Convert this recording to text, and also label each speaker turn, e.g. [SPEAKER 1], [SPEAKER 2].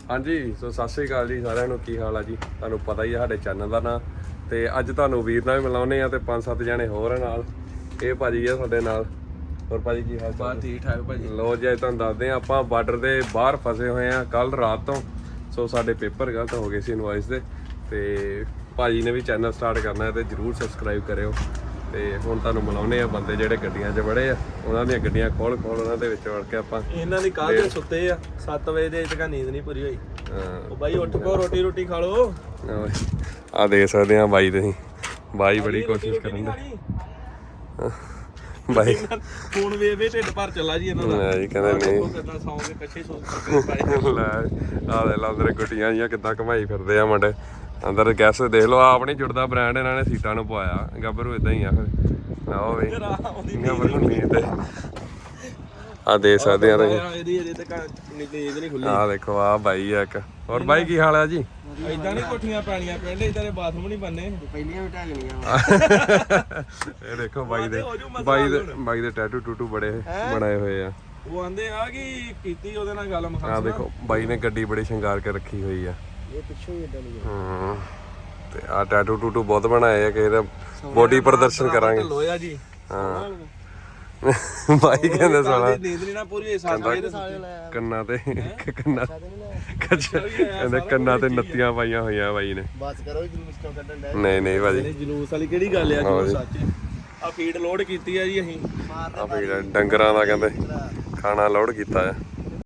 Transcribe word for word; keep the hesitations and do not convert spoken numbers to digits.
[SPEAKER 1] ਹਾਂਜੀ ਸੋ ਸਤਿ ਸ਼੍ਰੀ ਅਕਾਲ ਜੀ ਸਾਰਿਆਂ ਨੂੰ, ਕੀ ਹਾਲ ਆ ਜੀ? ਤੁਹਾਨੂੰ ਪਤਾ ਹੀ ਆ ਸਾਡੇ ਚੈਨਲ ਦਾ ਨਾਂ। ਤੇ ਅੱਜ ਤੁਹਾਨੂੰ ਵੀਰ ਨਾਲ ਵੀ ਮਿਲਾਉਂਦੇ ਆ ਤੇ ਪੰਜ ਸੱਤ ਜਣੇ ਹੋਰ ਨਾਲ। ਇਹ ਭਾਜੀ ਆ ਸਾਡੇ ਨਾਲ। ਹੋਰ ਭਾਜੀ ਕੀ ਹਾਲ ਚਾਲ?
[SPEAKER 2] ਠੀਕ ਠਾਕ ਭਾਜੀ।
[SPEAKER 1] ਲੋ ਜੀ ਅੱਜ ਤੁਹਾਨੂੰ ਦੱਸਦੇ ਆ, ਆਪਾਂ ਬਾਰਡਰ ਦੇ ਬਾਹਰ ਫਸੇ ਹੋਏ ਆ ਕੱਲ ਰਾਤ ਤੋਂ। ਸੋ ਸਾਡੇ ਪੇਪਰ ਗਲਤ ਹੋ ਗਏ ਸੀ ਇਨਵਾਇਸ ਦੇ, ਤੇ ਭਾਜੀ ਨੇ ਵੀ ਚੈਨਲ ਸਟਾਰਟ ਕਰਨਾ ਹੈ ਤੇ ਜਰੂਰ ਸਬਸਕ੍ਰਾਈਬ ਕਰਿਓ। ਤੇ ਹੁਣ ਤੁਹਾਨੂੰ ਮਿਲਾਉਂਦੇ ਆ ਬੰਦੇ ਜਿਹੜੇ ਗੱਡੀਆਂ 'ਚ ਵੜੇ ਆ, ਉਹਨਾਂ ਦੀਆਂ ਗੱਡੀਆਂ ਖੋਲ ਖੋਲ ਉਹਨਾਂ ਦੇ ਵਿੱਚ ਵੜ ਕੇ ਆਪਾਂ।
[SPEAKER 2] ਇਹਨਾਂ ਦੀ ਕੱਲ ਦੇ ਸੁੱਤੇ ਆ ਸੱਤ ਵਜੇ ਦੇ ਤੱਕ ਨੀਂਦ ਨਹੀਂ ਪੂਰੀ ਹੋਈ। ਉਹ ਬਾਈ ਉੱਠ ਪੋ, ਰੋਟੀ ਰੋਟੀ ਖਾ ਲਓ।
[SPEAKER 1] ਆ ਦੇਖ ਸਕਦੇ ਆ ਬਾਈ, ਤੁਸੀਂ ਬਾਈ ਬੜੀ ਕੋਸ਼ਿਸ਼ ਕਰਨ ਦੇ ਬਾਈ।
[SPEAKER 2] ਫੋਨ ਵੇ ਵੇ ਢਿੱਡ ਭਰ ਚੱਲਾ ਜੀ ਇਹਨਾਂ ਦਾ।
[SPEAKER 1] ਜੀ ਕਹਿੰਦੇ ਨਹੀਂ
[SPEAKER 2] ਕਿੱਦਾਂ ਸੌਂਗੇ ਕੱਛੇ ਸੌਂ ਕੇ
[SPEAKER 1] ਲੈ ਆ ਲੈ ਲਾ ਅੰਦਰ ਗੁੱਟੀਆਂ ਜੀਆਂ ਕਿੱਦਾਂ ਘਮਾਈ ਫਿਰਦੇ ਆ ਮੁੰਡੇ ਅੰਦਰ। ਗੈਸ ਦੇਖ ਲਓ, ਆਪ ਨਹੀਂ ਜੁੜਦਾ ਬ੍ਰਾਂਡ, ਇਹਨਾਂ ਨੇ ਸੀਟਾਂ ਨੂੰ ਪਵਾਇਆ। ਗੱਭਰੂ ਇਦਾਂ ਹੀ ਆ ਫਿਰ ਆਓ ਵੇ ਗੱਭਰੂ ਨੀਂਦ ਤੇ ਆ ਦੇ ਸਕਦੇ ਆ ਤੁਸੀਂ।
[SPEAKER 2] ਇਹਦੀ ਇਹਦੇ ਤੱਕ ਨੀਂਦ ਨਹੀਂ ਖੁੱਲੀ।
[SPEAKER 1] ਆ ਦੇਖੋ ਆ ਬਾਈ ਆ ਇੱਕ। ਹੋਰ ਬਾਈ ਕੀ ਹਾਲ ਆ ਜੀ?
[SPEAKER 2] ਇਦਾਂ ਨਹੀਂ ਕੋਠੀਆਂ ਪੈਣੀਆਂ ਪਿੰਡ, ਇਦਾਂ ਦੇ ਬਾਥਰੂਮ ਨਹੀਂ ਬਣਨੇ।
[SPEAKER 3] ਪਹਿਲੀਆਂ ਵੀ ਢਾਹ ਲੈਣੀਆਂ।
[SPEAKER 1] ਇਹ ਦੇਖੋ ਬਾਈ ਦੇ ਬਾਈ ਦੇ ਬਾਈ ਦੇ ਟੈਟੂ ਟੂਟੂ ਬੜੇ ਬਣਾਏ ਹੋਏ ਆ।
[SPEAKER 2] ਉਹ ਆਂਦੇ ਆ ਕਿ ਕੀਤੀ ਉਹਦੇ ਨਾਲ ਗੱਲ ਮਖਾਸ।
[SPEAKER 1] ਆ ਦੇਖੋ ਬਾਈ ਨੇ ਗੱਡੀ ਬੜੀ ਸ਼ਿੰਗਾਰ ਕੇ ਰੱਖੀ ਹੋਈ ਆ।
[SPEAKER 3] ਇਹ ਪਿੱਛੋਂ ਹੀ ਇਦਾਂ ਨਹੀਂ
[SPEAKER 1] ਹੂੰ ਤੇ ਆ ਟੈਟੂ ਟੂਟੂ ਬਹੁਤ ਬਣਾਏ ਆ। ਕਿਸੇ ਦਾ ਬੋਡੀ ਪ੍ਰਦਰਸ਼ਨ ਕਰਾਂਗੇ।
[SPEAKER 2] ਲੋਇਆ ਜੀ
[SPEAKER 1] ਹਾਂ ਬਾਈ ਕਹਿੰਦੇ ਸਾਲਾ
[SPEAKER 2] ਨੀਂਦ ਨਹੀਂ ਨਾ ਪੂਰੀ ਸਾਲ ਦੇ
[SPEAKER 1] ਕੰਨਾਂ ਤੇ ਕੰਨਾਂ ਕਹਿੰਦੇ ਕੰਨਾਂ ਤੇ ਨੱਤੀਆਂ ਪਾਈਆਂ ਹੋਈਆਂ ਬਾਈ ਨੇ।
[SPEAKER 3] ਬਸ ਕਰੋ ਜਲੂਸ ਕਿਉਂ ਕੱਢਣ ਡੈ।
[SPEAKER 1] ਨਹੀਂ ਨਹੀਂ ਭਾਜੀ
[SPEAKER 2] ਜਲੂਸ ਵਾਲੀ ਕਿਹੜੀ ਗੱਲ ਆ ਜੀ? ਸੱਚ ਆ ਫੀਡ ਲੋਡ ਕੀਤੀ ਆ ਜੀ ਅਸੀਂ।
[SPEAKER 1] ਆ ਫਿਰ ਡੰਗਰਾਂ ਦਾ ਕਹਿੰਦੇ ਖਾਣਾ ਲੋਡ ਕੀਤਾ ਆ।